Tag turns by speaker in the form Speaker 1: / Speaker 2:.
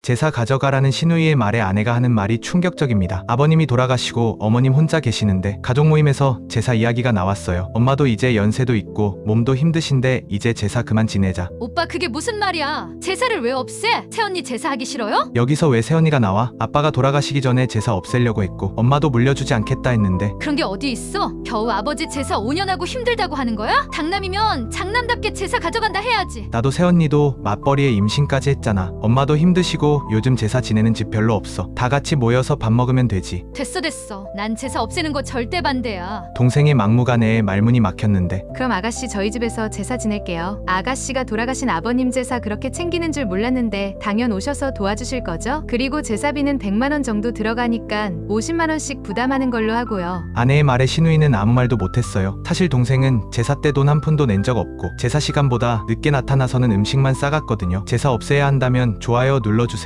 Speaker 1: 제사 가져가라는 시누이의 말에 아내가 하는 말이 충격적입니다. 아버님이 돌아가시고 어머님 혼자 계시는데 가족 모임에서 제사 이야기가 나왔어요. 엄마도 이제 연세도 있고 몸도 힘드신데 이제 제사 그만 지내자.
Speaker 2: 오빠 그게 무슨 말이야? 제사를 왜 없애? 새언니 제사하기 싫어요?
Speaker 1: 여기서 왜 새언니가 나와? 아빠가 돌아가시기 전에 제사 없애려고 했고 엄마도 물려주지 않겠다 했는데
Speaker 2: 그런 게 어디 있어? 겨우 아버지 제사 5년 하고 힘들다고 하는 거야? 장남이면 장남답게 제사 가져간다 해야지.
Speaker 1: 나도 새언니도 맞벌이에 임신까지 했잖아. 엄마도 힘드시고 요즘 제사 지내는 집 별로 없어. 다 같이 모여서 밥 먹으면 되지.
Speaker 2: 됐어. 난 제사 없애는 거 절대 반대야.
Speaker 1: 동생의 막무가내에 말문이 막혔는데
Speaker 3: 그럼 아가씨 저희 집에서 제사 지낼게요. 아가씨가 돌아가신 아버님 제사 그렇게 챙기는 줄 몰랐는데 당연 오셔서 도와주실 거죠? 그리고 제사비는 100만 원 정도 들어가니까 50만 원씩 부담하는 걸로 하고요.
Speaker 1: 아내의 말에 시누이는 아무 말도 못했어요. 사실 동생은 제사 때 돈 한 푼도 낸 적 없고 제사 시간보다 늦게 나타나서는 음식만 싸갔거든요. 제사 없애야 한다면 좋아요 눌러주세요.